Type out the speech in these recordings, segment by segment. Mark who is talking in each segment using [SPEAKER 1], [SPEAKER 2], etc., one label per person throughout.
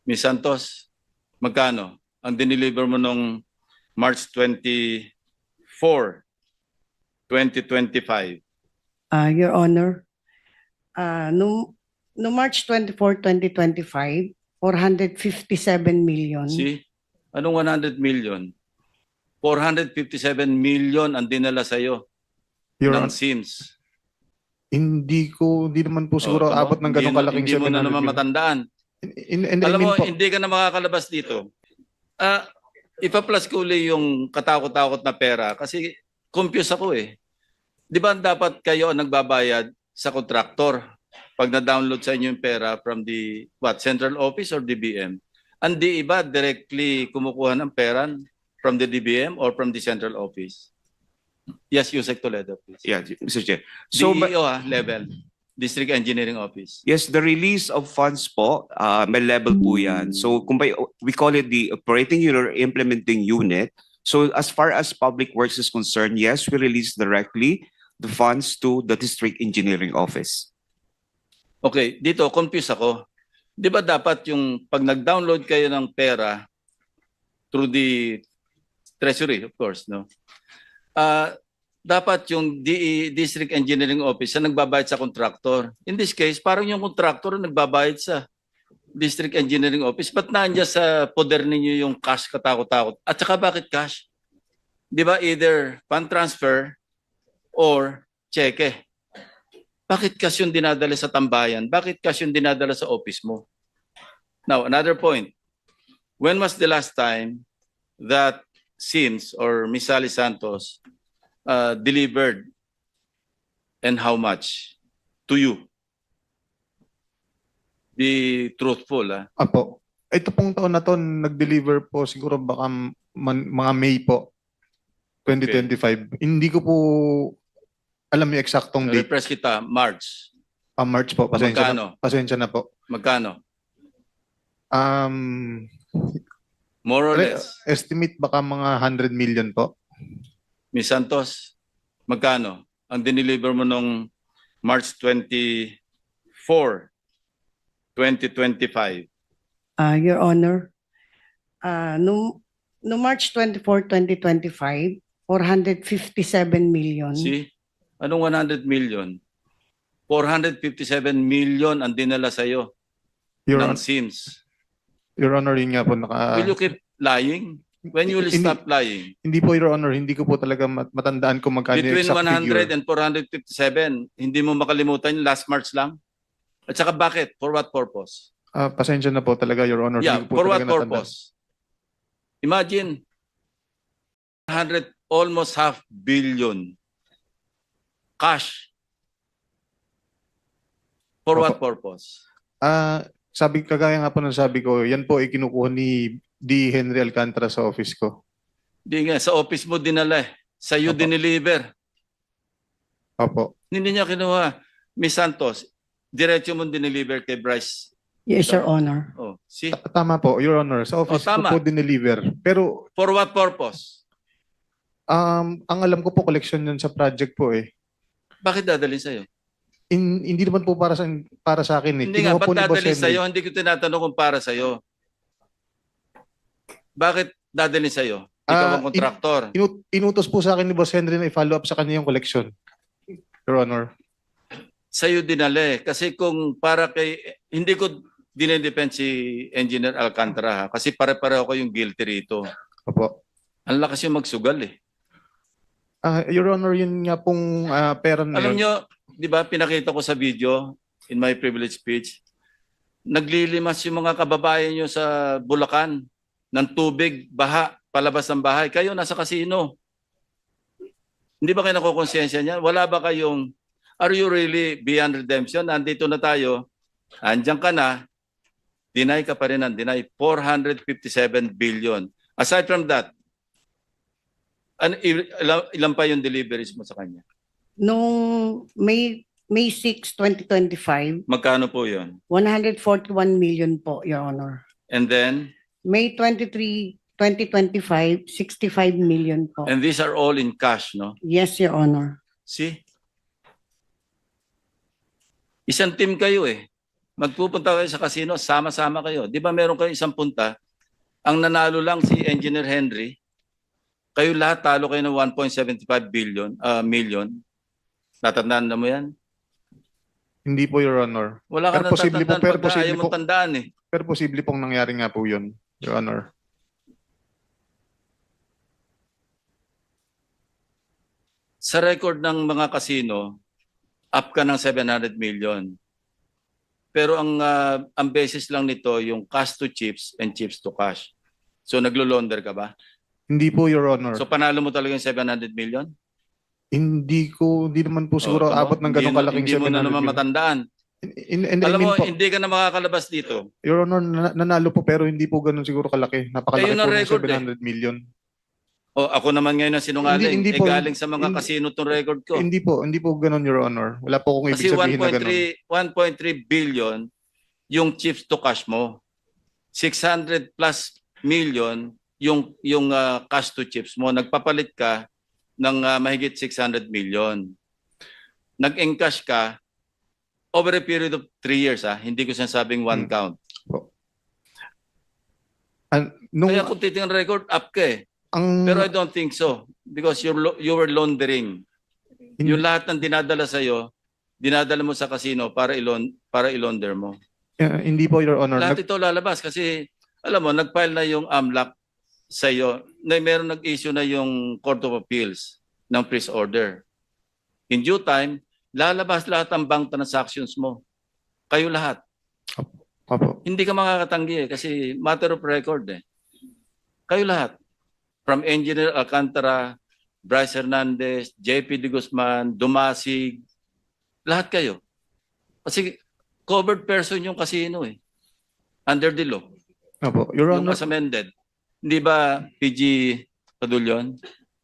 [SPEAKER 1] Ms. Santos, magkano ang dineliver mo nung March 24, 2025?
[SPEAKER 2] Your Honor, no March 24, 2025, 457 million.
[SPEAKER 1] See? Anong 100 million? 457 million ang dinala sa'yo ng SIMS.
[SPEAKER 3] Hindi naman po siguro
[SPEAKER 1] tama?
[SPEAKER 3] abot ng ganong kalaking
[SPEAKER 1] Hindi mo
[SPEAKER 3] 700
[SPEAKER 1] na naman
[SPEAKER 3] million.
[SPEAKER 1] matandaan. Alam mo, hindi ka na makakalabas dito. Ipa-plus ko uli yung katakot-takot na pera kasi confused ako eh. Di ba dapat kayo ang nagbabayad sa kontraktor pag na-download sa inyo yung pera from the central office or DBM? Ang di iba directly kumukuha ng pera from the DBM or from the central office? Yes, Yusek Toledo, please.
[SPEAKER 4] Yeah, Mr. Chair. So,
[SPEAKER 1] DEO level, District Engineering Office.
[SPEAKER 4] yes, the release of funds po, may level po yan. So, we call it the operating unit or implementing unit. So, as far as public works is concerned, yes, we release directly the funds to the District Engineering Office.
[SPEAKER 1] Okay, dito, confused ako. Di ba dapat yung pag nag-download kayo ng pera through the Treasury, of course, no? Dapat yung District Engineering Office na nagbabayad sa contractor. In this case, parang yung contractor na nagbabayad sa District Engineering Office. Ba't nandiyan sa poder ninyo yung cash katakot-takot? At saka bakit cash? Di ba either fund transfer or cheque? Bakit cash yung dinadala sa tambayan? Bakit cash yung dinadala sa office mo? Now, another point. When was the last time that SIMS or Miss Sally Santos delivered and how much to you? Be truthful.
[SPEAKER 3] Apo. Ito pong taon na to, nag-deliver po siguro baka mga May po, 2025. Hindi ko po alam yung eksaktong date.
[SPEAKER 1] Repress kita, March.
[SPEAKER 3] March po, pasensya na po.
[SPEAKER 1] Magkano? More or less.
[SPEAKER 3] Estimate baka mga 100 million po.
[SPEAKER 1] Ms. Santos, magkano ang dineliver mo nung March 24, 2025?
[SPEAKER 2] Your Honor, no March 24, 2025, 457 million.
[SPEAKER 1] See? Anong 100 million? 457 million ang dinala sa'yo ng SIMS.
[SPEAKER 3] Your Honor, yun nga po
[SPEAKER 1] Will you keep lying? When you will stop lying?
[SPEAKER 3] Hindi po, Your Honor, hindi ko po talaga matandaan kung magkano yung
[SPEAKER 1] Between
[SPEAKER 3] exact
[SPEAKER 1] 100
[SPEAKER 3] figure.
[SPEAKER 1] and 457, hindi mo makalimutan yung last March lang? At saka bakit? For what purpose?
[SPEAKER 3] Pasensya na po talaga, Your Honor.
[SPEAKER 1] Yeah,
[SPEAKER 3] Hindi ko po
[SPEAKER 1] for what
[SPEAKER 3] talaga natandaan.
[SPEAKER 1] purpose? Imagine, 100, almost half billion cash. For what purpose?
[SPEAKER 3] Kagaya nga po ng sabi ko, yan po ay kinukuha ni D. Henry Alcantara sa office ko.
[SPEAKER 1] Di nga, sa office mo dinala eh. Sa iyo
[SPEAKER 3] Opo.
[SPEAKER 1] dineliver.
[SPEAKER 3] Opo.
[SPEAKER 1] Hindi niya kinuha. Miss Santos, diretso mo dineliver kay Bryce.
[SPEAKER 2] Yes, Your Honor.
[SPEAKER 1] Oh, see?
[SPEAKER 3] Tama po, Your Honor. Sa office ko
[SPEAKER 1] tama.
[SPEAKER 3] po dineliver. Pero
[SPEAKER 1] For what purpose?
[SPEAKER 3] ang alam ko po, collection yun sa project po eh.
[SPEAKER 1] Bakit dadalhin sa'yo?
[SPEAKER 3] Hindi naman po para sa akin eh.
[SPEAKER 1] Hindi nga,
[SPEAKER 3] Kinuha po
[SPEAKER 1] ba't
[SPEAKER 3] ni Boss
[SPEAKER 1] dadalhin
[SPEAKER 3] Henry.
[SPEAKER 1] sa'yo? Hindi ko tinatanong kung para sa'yo. Bakit dadalhin sa'yo? Ikaw ang kontraktor.
[SPEAKER 3] Inutos po sa akin ni Boss Henry na i-follow up sa kanya yung collection. Your Honor.
[SPEAKER 1] Sa'yo dinali. Kasi kung para kay... Hindi ko dinedepend si Engineer Alcantara ha? Kasi pare-pareho ko yung guilty rito.
[SPEAKER 3] Opo.
[SPEAKER 1] Ang lakas yung magsugal eh.
[SPEAKER 3] Your Honor, yun nga pong pera na
[SPEAKER 1] Alam
[SPEAKER 3] yun.
[SPEAKER 1] nyo, di ba pinakita ko sa video in my privilege speech, naglilimas yung mga kababayan nyo sa Bulacan ng tubig, baha, palabas ng bahay. Kayo nasa kasino. Hindi ba kayo nakukonsensya niya? Wala ba kayong, are you really beyond redemption? Nandito na tayo, andyan ka na, deny ka pa rin ng deny, 457 billion. Aside from that, ilan pa yung deliveries mo sa kanya?
[SPEAKER 2] Noong May 6, 2025,
[SPEAKER 1] Magkano po yun?
[SPEAKER 2] 141 million po, Your Honor.
[SPEAKER 1] And then,
[SPEAKER 2] May 23, 2025, 65 million po.
[SPEAKER 1] and these are all in cash, no?
[SPEAKER 2] Yes, Your Honor.
[SPEAKER 1] See? Isang team kayo eh. Magpupunta kayo sa casino, sama-sama kayo. Di ba meron kayo isang punta, ang nanalo lang si Engineer Henry, kayo lahat talo kayo ng 1.75 million. Tatandaan na mo yan?
[SPEAKER 3] Hindi po, Your Honor.
[SPEAKER 1] Wala ka
[SPEAKER 3] Pero
[SPEAKER 1] na
[SPEAKER 3] posible po,
[SPEAKER 1] tatandaan
[SPEAKER 3] pero
[SPEAKER 1] pagka
[SPEAKER 3] posible
[SPEAKER 1] ayaw mong
[SPEAKER 3] po.
[SPEAKER 1] tandaan eh.
[SPEAKER 3] Pero posible pong nangyari nga po yun, Your Honor.
[SPEAKER 1] Sa record ng mga casino, up ka ng 700 million. Pero ang basis lang nito yung cash to chips and chips to cash. So naglo-launder ka ba?
[SPEAKER 3] Hindi po, Your Honor.
[SPEAKER 1] So panalo mo talaga yung 700 million?
[SPEAKER 3] Hindi naman po siguro
[SPEAKER 1] tama.
[SPEAKER 3] abot ng ganong kalaking
[SPEAKER 1] Hindi mo na
[SPEAKER 3] 700
[SPEAKER 1] naman
[SPEAKER 3] million.
[SPEAKER 1] matandaan.
[SPEAKER 3] I
[SPEAKER 1] Alam
[SPEAKER 3] mean
[SPEAKER 1] mo,
[SPEAKER 3] po,
[SPEAKER 1] hindi ka na makakalabas dito.
[SPEAKER 3] Your Honor, nanalo po pero hindi po ganun siguro kalaki. Napakalaki
[SPEAKER 1] Ayun ang
[SPEAKER 3] po ng
[SPEAKER 1] record
[SPEAKER 3] 700 million.
[SPEAKER 1] O ako naman ngayon ang sinungaling.
[SPEAKER 3] Hindi po.
[SPEAKER 1] Galing sa mga
[SPEAKER 3] Hindi-
[SPEAKER 1] casino tong record ko.
[SPEAKER 3] Hindi po ganun, Your Honor. Wala po akong
[SPEAKER 1] Kasi
[SPEAKER 3] ibig sabihin na ganun.
[SPEAKER 1] 1.3 billion yung chips to cash mo. 600 plus million yung cash to chips mo. Nagpapalit ka ng mahigit 600 million. Nag-encash ka over a period of 3 years. Hindi ko sinasabing one count.
[SPEAKER 3] Nung,
[SPEAKER 1] Kaya kung titingnan record, up ka eh. Pero I don't think so. Because you were laundering. Yung lahat ng dinadala sa'yo, dinadala mo sa casino para ilaunder mo.
[SPEAKER 3] hindi po, Your Honor.
[SPEAKER 1] Lahat ito lalabas kasi, alam mo, nag-file na yung AMLAC sa'yo. Meron nag-issue na yung Court of Appeals ng freeze order. In due time, lalabas lahat ang bank transactions mo. Kayo lahat.
[SPEAKER 3] Opo.
[SPEAKER 1] Hindi ka makakatanggi eh, kasi matter of record eh. Kayo lahat. From Engineer Alcantara, Bryce Hernandez, JP De Guzman, Dumasig, lahat kayo. Kasi covered person yung casino eh. Under the law.
[SPEAKER 3] Opo. Your
[SPEAKER 1] Yung
[SPEAKER 3] Honor,
[SPEAKER 1] as amended. Hindi ba PG Padulyon?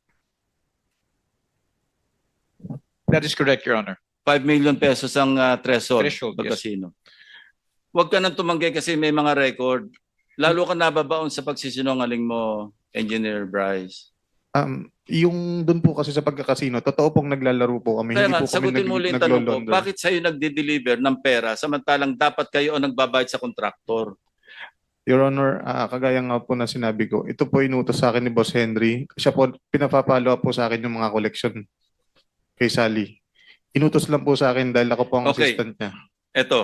[SPEAKER 5] That is correct, Your Honor.
[SPEAKER 1] 5 million pesos ang threshold,
[SPEAKER 5] Threshold,
[SPEAKER 1] pag
[SPEAKER 5] yes.
[SPEAKER 1] casino. Huwag ka nang tumanggi kasi may mga record. Lalo ka nababaon sa pagsisinungaling mo, Engineer Bryce.
[SPEAKER 3] yung dun po kasi sa pagkakasino, totoo pong naglalaro po kami.
[SPEAKER 1] Kaya
[SPEAKER 3] Hindi
[SPEAKER 1] nga,
[SPEAKER 3] po kami
[SPEAKER 1] sagutin mo ulit yung tanong ko,
[SPEAKER 3] naglo-launder.
[SPEAKER 1] bakit sa'yo nagde-deliver ng pera samantalang dapat kayo ang nagbabayad sa kontraktor?
[SPEAKER 3] Your Honor, kagaya nga po na sinabi ko, ito po inutos sa akin ni Boss Henry. Siya po, pinapapalo po sa akin yung mga collection kay Sally. Inutos lang po sa akin dahil ako po ang
[SPEAKER 1] Okay.
[SPEAKER 3] assistant niya.
[SPEAKER 1] Ito,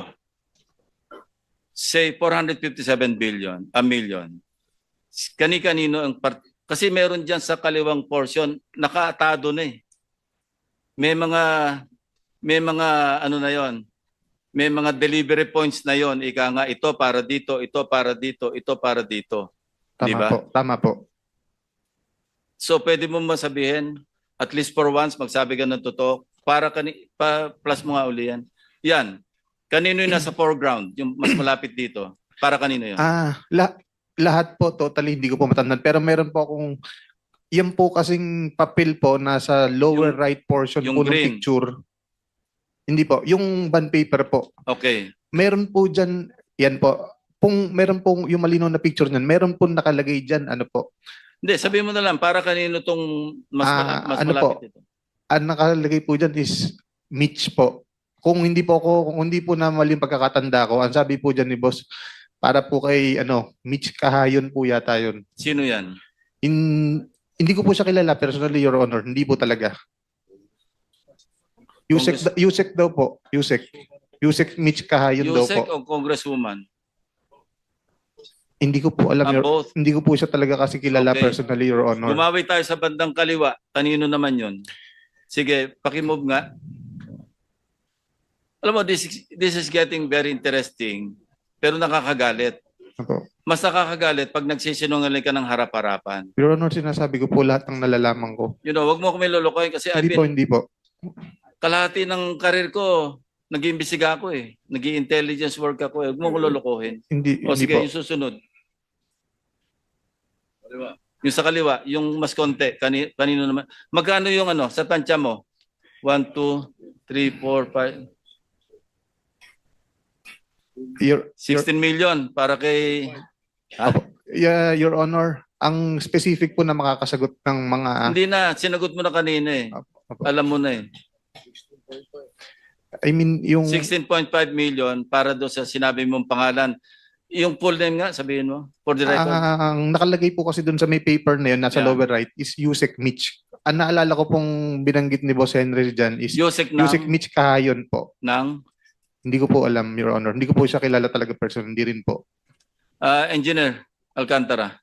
[SPEAKER 1] say 457 million. Kani-kanino ang kasi meron diyan sa kaliwang portion nakaatado na eh. May mga ano na 'yon. May mga delivery points na 'yon. Ika nga ito para dito, ito para dito, ito para dito. Di
[SPEAKER 3] Tama
[SPEAKER 1] ba?
[SPEAKER 3] po, tama po.
[SPEAKER 1] So pwede mo masabihin at least for once magsabi ka ng totoo para plus mo nga uli yan. Yan. Kanino yung nasa foreground? Yung mas malapit dito. Para kanino yun?
[SPEAKER 3] Lahat po, totally, hindi ko po matandaan. Pero meron po akong, yan po kasing papel po nasa lower
[SPEAKER 1] Yung-
[SPEAKER 3] right portion
[SPEAKER 1] yung
[SPEAKER 3] po ng
[SPEAKER 1] green.
[SPEAKER 3] picture. Hindi po, yung bond paper po.
[SPEAKER 1] Okay.
[SPEAKER 3] Meron po dyan, yan po, meron pong yung malinaw na picture niyan, meron po nakalagay dyan, ano po,
[SPEAKER 1] Hindi, sabihin mo na lang, para kanino tong mas
[SPEAKER 3] ano
[SPEAKER 1] malapit ito?
[SPEAKER 3] ang nakalagay po dyan is Mitch po. Kung hindi po na mali yung pagkakatanda ko, ang sabi po dyan ni boss, para po kay Mitch Kahayon po yata yun.
[SPEAKER 1] Sino yan?
[SPEAKER 3] Hindi ko po siya kilala personally, Your Honor. Hindi po talaga. Yusek daw po. Yusek Mitch Kahayon daw
[SPEAKER 1] Yusek
[SPEAKER 3] po.
[SPEAKER 1] o Congresswoman?
[SPEAKER 3] Hindi ko po alam.
[SPEAKER 1] Both.
[SPEAKER 3] Hindi ko po siya talaga kasi kilala
[SPEAKER 1] Okay.
[SPEAKER 3] personally, Your Honor.
[SPEAKER 1] Gumawi tayo sa bandang kaliwa. Kanino naman yun? Sige, pakimove nga. Alam mo, this is getting very interesting, pero nakakagalit.
[SPEAKER 3] Opo.
[SPEAKER 1] Mas nakakagalit pag nagsisinungaling ka ng harap-harapan.
[SPEAKER 3] Your Honor, sinasabi ko po lahat ng nalalaman ko.
[SPEAKER 1] You know, wag mo kami lulukoyin kasi
[SPEAKER 3] Hindi po.
[SPEAKER 1] kalahati ng karir ko, nag-iimbestiga ako eh. Nag-i-intelligence work ako eh. Huwag mo ko lulukohin.
[SPEAKER 3] Hindi
[SPEAKER 1] O sige,
[SPEAKER 3] po.
[SPEAKER 1] yung susunod. Yung sa kaliwa, yung mas konti, kanino naman. Magkano yung sa tansya mo? 1, 2, 3, 4, 5,
[SPEAKER 3] Your
[SPEAKER 1] 16 million para kay...
[SPEAKER 3] Your Honor, ang specific po na makakasagot ng mga
[SPEAKER 1] Hindi na, sinagot mo na kanina eh.
[SPEAKER 3] Opo.
[SPEAKER 1] Alam mo na eh.
[SPEAKER 3] I mean, yung
[SPEAKER 1] 16.5 million para doon sa sinabi mong pangalan. Yung full name nga, sabihin mo, for the record.
[SPEAKER 3] ang nakalagay po kasi dun sa may paper na yun, nasa
[SPEAKER 1] Yeah.
[SPEAKER 3] lower right, is Yusek Mitch. Ang naalala ko pong binanggit ni Boss Henry dyan is
[SPEAKER 1] Yusek
[SPEAKER 3] Yusek
[SPEAKER 1] ng,
[SPEAKER 3] Mitch Kahayon po.
[SPEAKER 1] ng
[SPEAKER 3] Hindi ko po alam, Your Honor. Hindi ko po siya kilala talaga person. Hindi rin po.
[SPEAKER 1] Engineer Alcantara.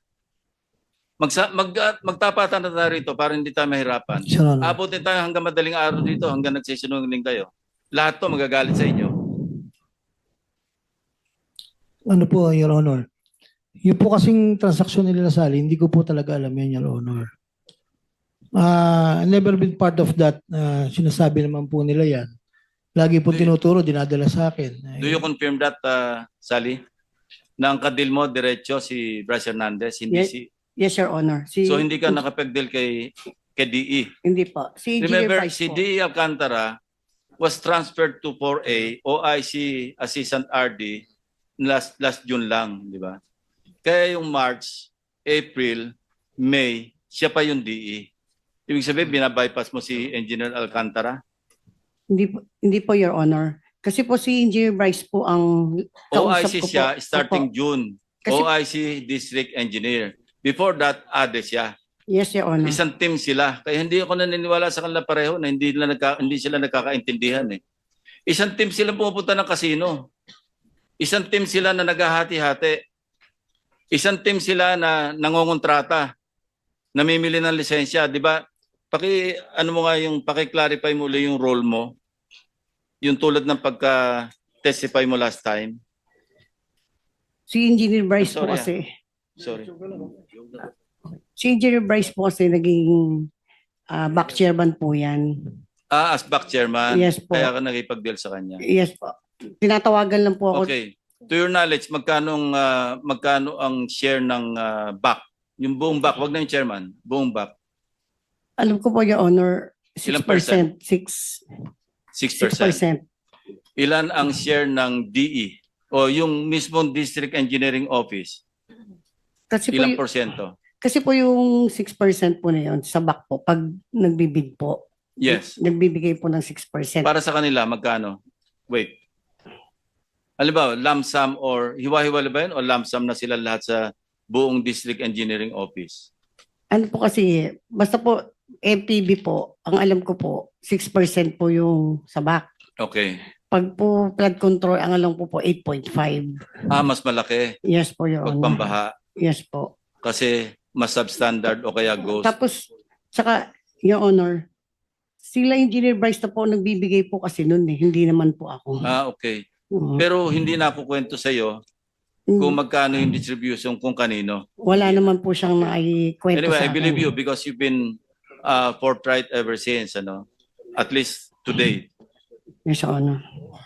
[SPEAKER 1] Magtapatan na tayo rito para hindi tayo mahirapan.
[SPEAKER 6] Your Honor.
[SPEAKER 1] Abutin tayo hanggang madaling araw dito, hanggang nagsisinungaling kayo. Lahat to magagalit sa inyo.
[SPEAKER 6] Ano po, Your Honor? Yung po kasing transaksyon nila Sally, hindi ko po talaga alam yan, Your Honor. Never been part of that. Sinasabi naman po nila yan. Lagi po tinuturo, dinadala sa akin.
[SPEAKER 1] Do you confirm that, Sally? Na ang kadil mo, diretso si Bryce Hernandez, hindi
[SPEAKER 2] Yes. Yes, Your Honor.
[SPEAKER 1] So hindi ka nakapagdeal kay DE.
[SPEAKER 2] Hindi po. Si Engineer
[SPEAKER 1] Remember,
[SPEAKER 2] Bryce
[SPEAKER 1] si
[SPEAKER 2] po.
[SPEAKER 1] DE Alcantara was transferred to 4A, OIC Assistant RD, last June lang, di ba? Kaya yung March, April, May, siya pa yung DE. Ibig sabihin, binabypass mo si Engineer Alcantara?
[SPEAKER 2] Hindi po, Your Honor. Kasi po si Engineer Bryce po ang kausap
[SPEAKER 1] OIC
[SPEAKER 2] ko
[SPEAKER 1] siya
[SPEAKER 2] po.
[SPEAKER 1] starting
[SPEAKER 2] Opo.
[SPEAKER 1] June.
[SPEAKER 2] Kasi-
[SPEAKER 1] OIC District Engineer. Before that, ADE siya.
[SPEAKER 2] Yes, Your Honor.
[SPEAKER 1] Isang team sila. Kaya hindi ako naniniwala sa kanila pareho na hindi sila nagkakaintindihan eh. Isang team sila pumupunta ng kasino. Isang team sila na naghahati-hati. Isang team sila na nangongontrata. Namimili ng lisensya, 'di ba? Paki-clarify mo ulit yung role mo. Yung tulad ng pagka-testify mo last time.
[SPEAKER 2] Si Engineer Bryce po
[SPEAKER 1] Sorry,
[SPEAKER 2] kasi.
[SPEAKER 1] Sorry.
[SPEAKER 2] Si Engineer Bryce po kasi naging back chairman po yan.
[SPEAKER 1] As back chairman.
[SPEAKER 2] Yes po.
[SPEAKER 1] Kaya ka nakipag-deal sa kanya.
[SPEAKER 2] Yes po. Tinatawagan lang po ako.
[SPEAKER 1] Okay. To your knowledge, magkano ang share ng back? Yung buong back, wag na yung chairman, buong back.
[SPEAKER 2] Alam ko po, Your Honor, 6%.
[SPEAKER 1] Ilang percent?
[SPEAKER 2] 6%.
[SPEAKER 1] 6%. Ilan ang share ng DE o yung mismong District Engineering Office?
[SPEAKER 2] Kasi po,
[SPEAKER 1] Ilang porsyento?
[SPEAKER 2] kasi po yung 6% po na yun sa back po, pag nagbibid po,
[SPEAKER 1] Yes.
[SPEAKER 2] nagbibigay po ng 6%.
[SPEAKER 1] Para sa kanila, magkano? Wait. Alam ba, lump sum or hiwa-hiwala ba yun o lump sum na sila lahat sa buong District Engineering Office?
[SPEAKER 2] Ano po kasi, basta po, MPB po, ang alam ko po, 6% po yung sa back.
[SPEAKER 1] Okay.
[SPEAKER 2] Pag po flood control, ang alam ko po, 8.5.
[SPEAKER 1] Mas malaki
[SPEAKER 2] Yes po, Your
[SPEAKER 1] pag
[SPEAKER 2] Honor.
[SPEAKER 1] pambaha
[SPEAKER 2] Yes po.
[SPEAKER 1] kasi mas substandard o kaya ghost.
[SPEAKER 2] Tapos, saka, Your Honor, sila Engineer Bryce na po nagbibigay po kasi nun eh, hindi naman po ako.
[SPEAKER 1] Okay.
[SPEAKER 2] Oo.
[SPEAKER 1] Pero hindi na ako kwento sa iyo kung magkano yung distribution kung kanino.
[SPEAKER 2] Wala naman po siyang naikwento
[SPEAKER 1] Anyway,
[SPEAKER 2] sa
[SPEAKER 1] I believe
[SPEAKER 2] akin.
[SPEAKER 1] you because you've been forthright ever since, at least today.
[SPEAKER 2] Yes, Your Honor.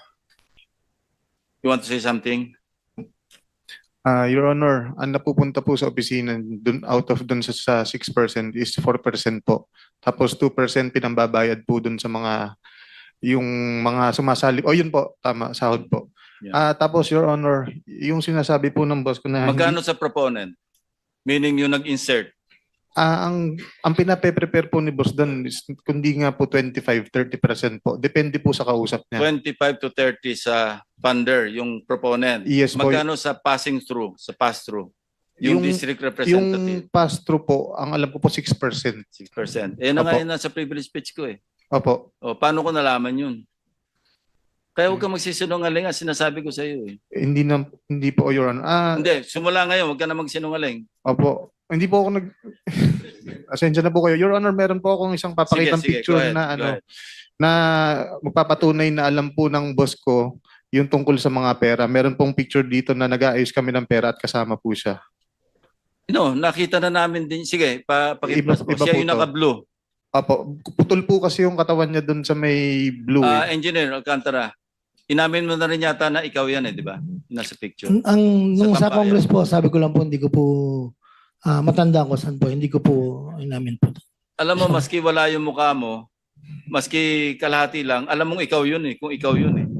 [SPEAKER 1] You want to say something?
[SPEAKER 3] Your Honor, ang napupunta po sa opisina dun, out of dun sa 6% is 4% po. Tapos 2% pinambabayad po dun sa yung mga sumasali. O yun po, tama, sahod po.
[SPEAKER 1] Yeah.
[SPEAKER 3] Tapos Your Honor, yung sinasabi po ng boss ko na
[SPEAKER 1] Magkano sa proponent? Meaning yung nag-insert.
[SPEAKER 3] ang pinape-prepare po ni boss doon is kundi nga po 25-30% po. Depende po sa kausap niya.
[SPEAKER 1] 25 to 30 sa funder, yung proponent.
[SPEAKER 3] Yes po.
[SPEAKER 1] Magkano sa passing through, sa pass-through? Yung district
[SPEAKER 3] Yung
[SPEAKER 1] representative,
[SPEAKER 3] pass-through po, ang alam ko po 6%.
[SPEAKER 1] 6%. Eh, na nga
[SPEAKER 3] Opo.
[SPEAKER 1] yun nasa privilege speech ko eh.
[SPEAKER 3] Opo.
[SPEAKER 1] O, paano ko nalaman yun? Kaya huwag ka magsisinungaling, sinasabi ko sa iyo eh.
[SPEAKER 3] Hindi po, Your Honor.
[SPEAKER 1] Hindi, simula ngayon, huwag ka na magsinungaling.
[SPEAKER 3] Opo. Hindi po ako Asensya na po kayo. Your Honor, meron po akong isang papakitang
[SPEAKER 1] Sige,
[SPEAKER 3] picture
[SPEAKER 1] go ahead,
[SPEAKER 3] na
[SPEAKER 1] go ahead.
[SPEAKER 3] na magpapatunay na alam po ng boss ko yung tungkol sa mga pera. Meron pong picture dito na nag-aayos kami ng pera at kasama po siya.
[SPEAKER 1] No, nakita na namin din. Sige, pakiplas po.
[SPEAKER 3] Iba
[SPEAKER 1] Siya
[SPEAKER 3] po
[SPEAKER 1] yung
[SPEAKER 3] to.
[SPEAKER 1] naka-blue.
[SPEAKER 3] Opo. Putol po kasi yung katawan niya doon sa may blue.
[SPEAKER 1] Engineer Alcantara, inamin mo na rin yata na ikaw yan eh, di ba? Nasa picture.
[SPEAKER 6] Nung
[SPEAKER 1] Sa
[SPEAKER 6] sa
[SPEAKER 1] tambayan.
[SPEAKER 6] Congress po, sabi ko lang po, hindi ko po matanda ko saan po, hindi ko po inamin po.
[SPEAKER 1] Alam mo, maski wala yung mukha mo, maski kalahati lang, alam mong ikaw yun eh, kung ikaw yun eh.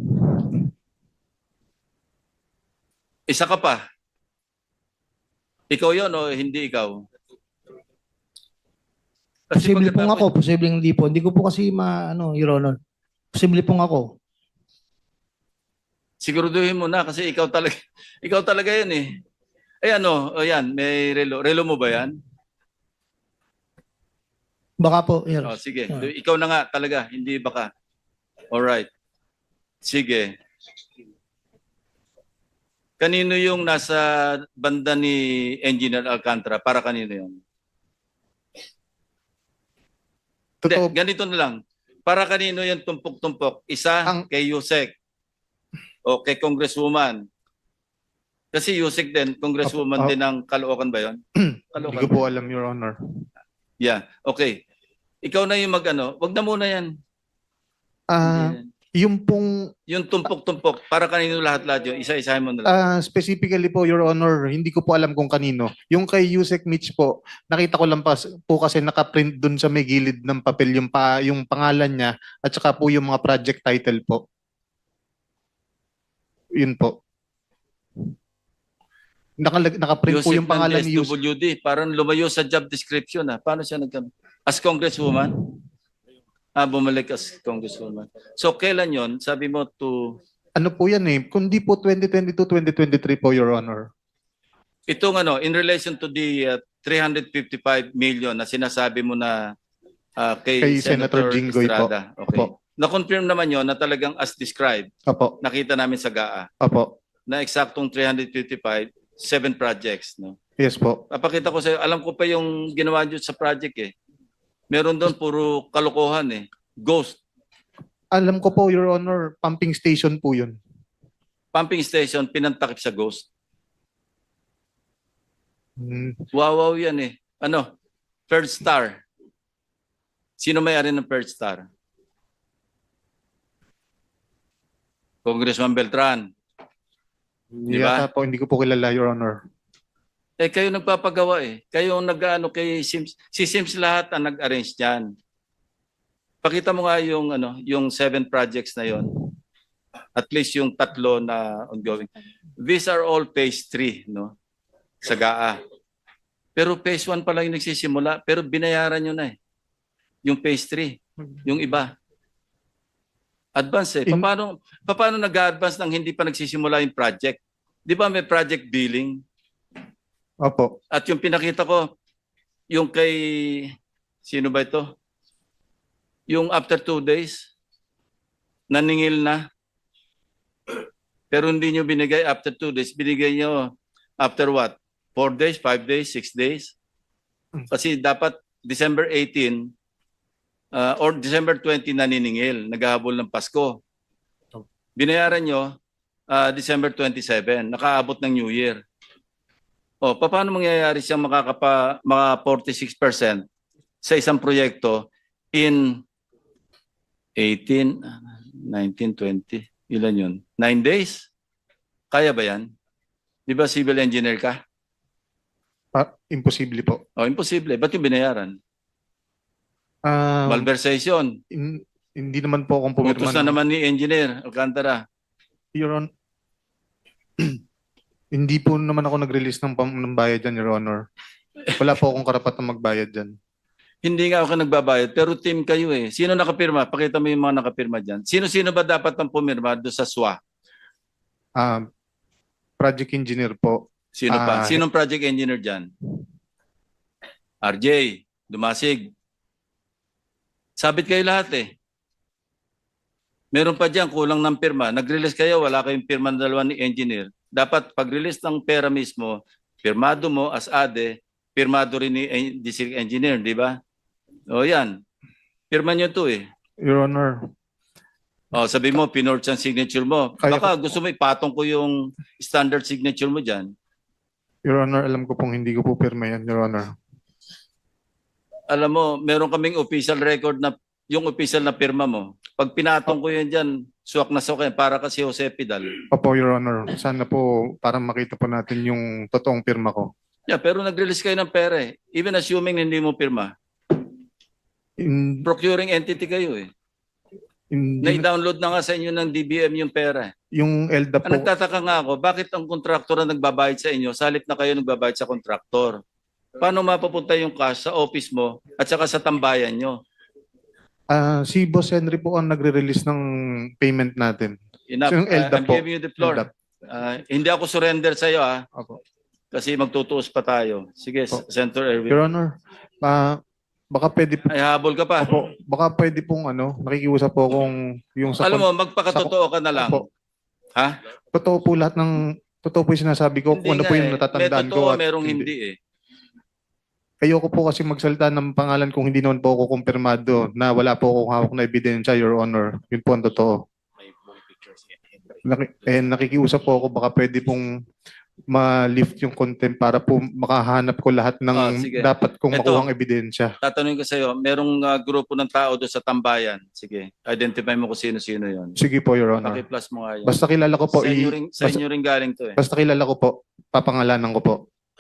[SPEAKER 1] Isa ka pa. Ikaw yun o hindi ikaw? Kasi
[SPEAKER 6] Posible pong
[SPEAKER 1] pagkatapos-
[SPEAKER 6] ako, posible hindi po. Hindi ko po kasi Your Honor. Posible pong ako.
[SPEAKER 1] Siguraduhin mo na kasi ikaw talaga ikaw talaga 'yan eh. Ay ano, o yan, may relo. Relo mo ba 'yan?
[SPEAKER 6] Baka po, Your
[SPEAKER 1] Oh, sige.
[SPEAKER 6] Ah.
[SPEAKER 1] Ikaw na nga talaga, hindi baka. All right. Sige. Kanino yung nasa banda ni Engineer Alcantara? Para kanino yun? Hindi,
[SPEAKER 3] Totoo,
[SPEAKER 1] ganito na lang. Para kanino yung tumpok-tumpok? Isa kay Yusek o kay Congresswoman? Kasi Yusek din, Congresswoman
[SPEAKER 3] Apo.
[SPEAKER 1] din ng Caloocan ba yun?
[SPEAKER 3] hindi ko po alam, Your Honor.
[SPEAKER 1] Yeah, okay. Ikaw na yung mag-ano. Wag na muna yan.
[SPEAKER 3] Ah, yung pong
[SPEAKER 1] Yung tumpok-tumpok, para kanino lahat-lahat yun? Isa-isahin mo na lang.
[SPEAKER 3] specifically po, Your Honor, hindi ko po alam kung kanino. Yung kay Yusek Mitch po, nakita ko lang po kasi nakaprint dun sa may gilid ng papel yung pangalan niya at saka po yung mga project title po. Yun po. Nakaprint po
[SPEAKER 1] Yusek
[SPEAKER 3] yung pangalan
[SPEAKER 1] ng
[SPEAKER 3] ni Yusek.
[SPEAKER 1] SWD, parang lumayo sa job description. Paano siya nagkano? As Congresswoman? Bumalik as Congresswoman. So, kailan yon? Sabi mo to...
[SPEAKER 3] Ano po yan eh? Kundi po 2022-2023 po, Your Honor.
[SPEAKER 1] Itong ano, in relation to the 355 million na sinasabi mo na kay
[SPEAKER 3] Senator Jinggoy po.
[SPEAKER 1] Estrada. Okay.
[SPEAKER 3] Opo.
[SPEAKER 1] Na-confirm naman yon na talagang as described,
[SPEAKER 3] Opo.
[SPEAKER 1] nakita namin sa GAA,
[SPEAKER 3] Opo.
[SPEAKER 1] na eksaktong 355, 7 projects. No?
[SPEAKER 3] Yes po.
[SPEAKER 1] Papakita ko sa'yo, alam ko pa yung ginawa nyo sa project eh. Meron doon puro kalokohan eh. Ghost.
[SPEAKER 3] Alam ko po, Your Honor, pumping station po yun.
[SPEAKER 1] Pumping station, pinantakip sa ghost.
[SPEAKER 3] Hmm.
[SPEAKER 1] Wow yan eh. Ano? Third Star. Sino may-ari ng Third Star? Congressman Beltran. Di ba?
[SPEAKER 3] Yata po, hindi ko po kilala, Your Honor.
[SPEAKER 1] Eh kayo nagpapagawa eh. Kayo ang nag-ano kay Sims. Si Sims lahat ang nag-arrange diyan. Pakita mo nga yung ano, yung 7 projects na yon. At least yung 3 na ongoing. These are all phase 3, no? Sa GAA. Pero phase 1 pa lang yung nagsisimula, pero binayaran nyo na eh. Yung phase 3, yung iba. Advance eh. Paano nag-advance nang hindi pa nagsisimula yung project? Di ba may project billing?
[SPEAKER 3] Opo.
[SPEAKER 1] At yung pinakita ko, yung kay, sino ba ito? Yung after 2 days, naningil na. Pero hindi nyo binigay after 2 days. Binigay nyo after what? 4 days, 5 days, 6 days? Kasi dapat December 18 or December 20 naniningil, naghahabol ng Pasko. Binayaran nyo December 27, nakaabot ng New Year. O, paano mangyayari siyang mga 46% sa isang proyekto in 18, 19, 20, ilan yun? 9 days? Kaya ba yan? Di ba civil engineer ka?
[SPEAKER 3] Imposible po.
[SPEAKER 1] O, imposible. Ba't yung binayaran?
[SPEAKER 3] Ah,
[SPEAKER 1] Malversation.
[SPEAKER 3] hindi naman po akong pumirma.
[SPEAKER 1] Utos na naman ni engineer Alcantara.
[SPEAKER 3] Your Honor, hindi po naman ako nag-release ng bayad dyan, Your Honor. Wala po akong karapatang magbayad dyan.
[SPEAKER 1] Hindi nga ako nagbabayad, pero team kayo eh. Sino nakapirma? Pakita mo yung mga nakapirma dyan. Sino-sino ba dapat ang pumirma doon sa SWA?
[SPEAKER 3] Project engineer po.
[SPEAKER 1] Sino pa? Sinong project engineer dyan? RJ, Dumasig. Sabit kayo lahat eh. Meron pa dyan, kulang ng pirma. Nag-release kayo, wala kayong pirma na dalawa ni engineer. Dapat pag-release ng pera mismo, pirmado mo as ADE, pirmado rin ni district engineer, di ba? O yan. Pirma nyo to eh.
[SPEAKER 3] Your Honor,
[SPEAKER 1] O sabi mo, pinorch ang signature mo.
[SPEAKER 3] Kaya
[SPEAKER 1] Baka gusto mo ipatong ko yung standard signature mo dyan.
[SPEAKER 3] Your Honor, alam ko pong hindi ko po pirma yan, Your Honor.
[SPEAKER 1] Alam mo, meron kaming official record na yung official na pirma mo. Pag pinatong ko yan dyan, suwak na suwak yan, para kasi Jose Pidal.
[SPEAKER 3] Opo, Your Honor. Sana po para makita po natin yung totoong pirma ko.
[SPEAKER 1] Yeah, pero nag-release kayo ng pera eh. Even assuming hindi mo pirma.
[SPEAKER 3] In,
[SPEAKER 1] Procuring entity kayo eh.
[SPEAKER 3] in,
[SPEAKER 1] Na-download na nga sa inyo ng DBM yung pera.
[SPEAKER 3] yung ELDA
[SPEAKER 1] Ang
[SPEAKER 3] po,
[SPEAKER 1] nagtataka nga ako, bakit ang kontraktor na nagbabayad sa inyo, salit na kayo nagbabayad sa kontraktor? Paano mapapunta yung cash sa office mo at saka sa tambayan nyo?
[SPEAKER 3] Si Boss Henry po ang nagre-release ng payment natin.
[SPEAKER 1] Enough.
[SPEAKER 3] So, yung LDAP
[SPEAKER 1] I'm
[SPEAKER 3] po.
[SPEAKER 1] giving you the floor.
[SPEAKER 3] LDAP.
[SPEAKER 1] Hindi ako surrender sa iyo
[SPEAKER 3] Opo.
[SPEAKER 1] kasi magtutuos pa tayo. Sige,
[SPEAKER 3] Opo.
[SPEAKER 1] Senator Erwin.
[SPEAKER 3] Your Honor, baka pwede po,
[SPEAKER 1] Ay, habol ka pa.
[SPEAKER 3] opo, baka pwede pong nakikiusap po kung yung sa
[SPEAKER 1] Alam mo, magpakatotoo ka na lang.
[SPEAKER 3] Opo.
[SPEAKER 1] Ha?
[SPEAKER 3] Totoo po yung sinasabi ko kung ano po yung natatandaan
[SPEAKER 1] May
[SPEAKER 3] ko
[SPEAKER 1] totoo,
[SPEAKER 3] at
[SPEAKER 1] merong hindi eh.
[SPEAKER 3] Ayoko po kasi magsalita ng pangalan kung hindi naman po ako kumpirmado na wala po akong hawak na ebidensya, Your Honor. Yun po ang totoo. Nakikiusap po ako baka pwede pong ma-lift yung contempt para po makahanap ko lahat ng
[SPEAKER 1] Sige.
[SPEAKER 3] dapat kong
[SPEAKER 1] Ito.
[SPEAKER 3] makuhang ebidensya.
[SPEAKER 1] Tatanungin ko sa iyo, merong grupo ng tao doon sa tambayan. Sige, identify mo kung sino-sino yon.
[SPEAKER 3] Sige po, Your Honor.
[SPEAKER 1] Paki-plus mo nga yan.
[SPEAKER 3] Basta kilala ko po,
[SPEAKER 1] Sa inyo rin galing to eh.
[SPEAKER 3] basta kilala ko po, papangalanan ko po.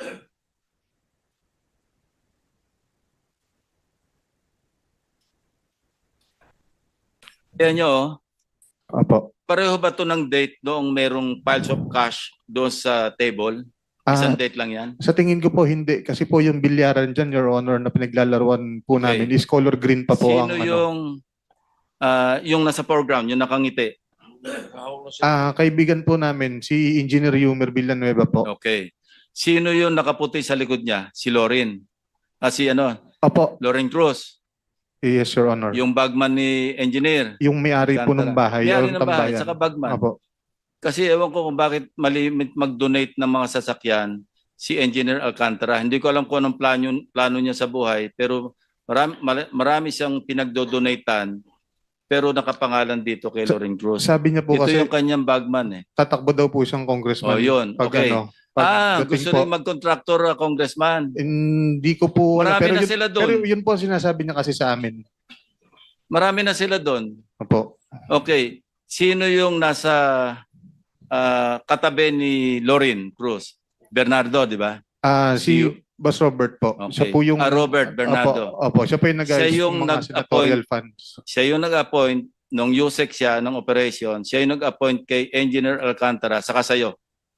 [SPEAKER 1] Kaya nyo,
[SPEAKER 3] Opo.
[SPEAKER 1] pareho ba to ng date noong merong piles of cash doon sa table?
[SPEAKER 3] Ah,
[SPEAKER 1] Isang date lang yan?
[SPEAKER 3] sa tingin ko po hindi kasi po yung bilyaran dyan, Your Honor, na pinaglalaruan po
[SPEAKER 1] Okay.
[SPEAKER 3] namin is color green pa po ang
[SPEAKER 1] Sino yung nasa foreground, yung nakangiti?
[SPEAKER 3] kaibigan po namin si Engineer Yumer Villanueva po.
[SPEAKER 1] Okay. Sino yung nakaputi sa likod niya? Si Lorin. Si
[SPEAKER 3] Opo.
[SPEAKER 1] Lorin Cruz.
[SPEAKER 3] Yes, Your Honor.
[SPEAKER 1] Yung bagman ni engineer.
[SPEAKER 3] Yung may-ari po ng bahay,
[SPEAKER 1] May-ari
[SPEAKER 3] yung
[SPEAKER 1] ng bahay,
[SPEAKER 3] tambayan.
[SPEAKER 1] saka bagman.
[SPEAKER 3] Opo.
[SPEAKER 1] Kasi ewan ko kung bakit malimit mag-donate ng mga sasakyan si Engineer Alcantara. Hindi ko alam kung anong plano niya sa buhay, pero marami siyang pinagdo-donatean, pero nakapangalan dito kay Lorin Cruz.
[SPEAKER 3] Sabi niya po
[SPEAKER 1] Ito
[SPEAKER 3] kasi
[SPEAKER 1] yung kanyang bagman eh.
[SPEAKER 3] tatakbo daw po siyang congressman.
[SPEAKER 1] Oh, yun.
[SPEAKER 3] Pag
[SPEAKER 1] Okay.
[SPEAKER 3] pagdating
[SPEAKER 1] Gusto
[SPEAKER 3] po.
[SPEAKER 1] rin mag-contractor congressman.
[SPEAKER 3] Hindi ko po alam.
[SPEAKER 1] Marami
[SPEAKER 3] Pero
[SPEAKER 1] na
[SPEAKER 3] yun,
[SPEAKER 1] sila
[SPEAKER 3] pero
[SPEAKER 1] doon.
[SPEAKER 3] yun po ang sinasabi niya kasi sa amin.
[SPEAKER 1] Marami na sila doon.
[SPEAKER 3] Opo.
[SPEAKER 1] Okay. Sino yung nasa katabi ni Lorin Cruz? Bernardo, di ba?
[SPEAKER 3] Si
[SPEAKER 1] You-
[SPEAKER 3] Boss Robert po.
[SPEAKER 1] Okay.
[SPEAKER 3] Siya po yung
[SPEAKER 1] Robert Bernardo.
[SPEAKER 3] Opo, siya po yung
[SPEAKER 1] Siya
[SPEAKER 3] nag-ayos
[SPEAKER 1] yung
[SPEAKER 3] ng mga senatorial funds.
[SPEAKER 1] Siya yung nag-appoint nung USEC siya ng operation. Siya yung nag-appoint kay Engineer Alcantara saka sa'yo.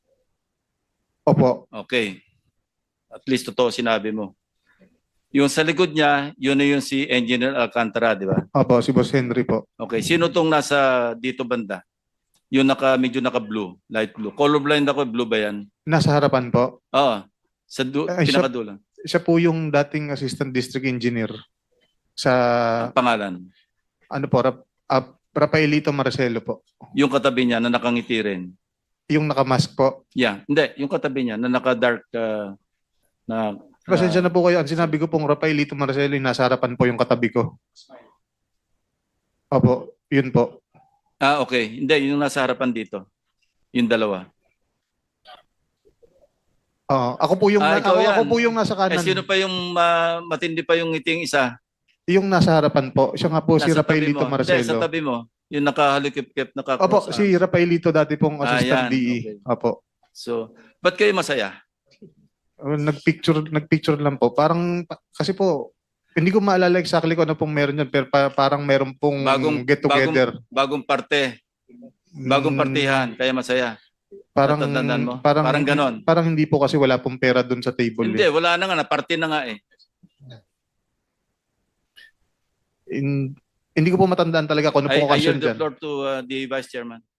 [SPEAKER 3] Opo.
[SPEAKER 1] Okay. At least totoo sinabi mo. Yung sa likod niya, yun na yung si Engineer Alcantara, di ba?
[SPEAKER 3] Opo, si Boss Henry po.
[SPEAKER 1] Okay. Sino tong nasa dito banda? Yung medyo naka-blue, light blue. Colorblind ako, blue ba yan?
[SPEAKER 3] Nasa harapan po.
[SPEAKER 1] Oo. Sa
[SPEAKER 3] Ay, siya-
[SPEAKER 1] pinakadulo.
[SPEAKER 3] Siya po yung dating assistant district engineer sa
[SPEAKER 1] Ang pangalan.
[SPEAKER 3] Rafaelito Marcelo po.
[SPEAKER 1] Yung katabi niya na nakangiti rin.
[SPEAKER 3] Yung nakamask po.
[SPEAKER 1] Yeah. Hindi. Yung katabi niya na naka-dark na
[SPEAKER 3] Pasensya na po kayo. Ang sinabi ko pong Rafaelito Marcelo, yung nasa harapan po yung katabi ko. Opo, yun po.
[SPEAKER 1] okay. Hindi. Yung nasa harapan dito. Yung dalawa.
[SPEAKER 3] Ako po yung
[SPEAKER 1] ikaw yan.
[SPEAKER 3] ako po yung nasa kanan.
[SPEAKER 1] Sino pa yung matindi pa yung ngiting isa?
[SPEAKER 3] Yung nasa harapan po. Siya nga po si
[SPEAKER 1] Nasa tabi
[SPEAKER 3] Rafaelito
[SPEAKER 1] mo. Hindi, sa
[SPEAKER 3] Marcelo.
[SPEAKER 1] tabi mo. Yung nakahalikip-kip,
[SPEAKER 3] Opo,
[SPEAKER 1] naka-cross
[SPEAKER 3] si Rafaelito dati pong assistant
[SPEAKER 1] yan.
[SPEAKER 3] DE.
[SPEAKER 1] Okay.
[SPEAKER 3] Opo.
[SPEAKER 1] So, ba't kayo masaya?
[SPEAKER 3] Nagpicture lang po. Parang kasi po hindi ko maalala exactly kung ano pong meron yan, pero parang meron pong get together.
[SPEAKER 1] Bagong parte. Bagong partihan. Kaya masaya.
[SPEAKER 3] Parang
[SPEAKER 1] Natatandaan mo?
[SPEAKER 3] parang
[SPEAKER 1] Parang ganon.
[SPEAKER 3] Parang hindi po kasi wala pong pera doon sa table.
[SPEAKER 1] Hindi, wala na nga. Naparte na nga eh.
[SPEAKER 3] Hindi ko po matandaan talaga kung ano
[SPEAKER 1] I
[SPEAKER 3] pong okasyon
[SPEAKER 1] yield the
[SPEAKER 3] dyan.
[SPEAKER 1] floor to the Vice Chairman.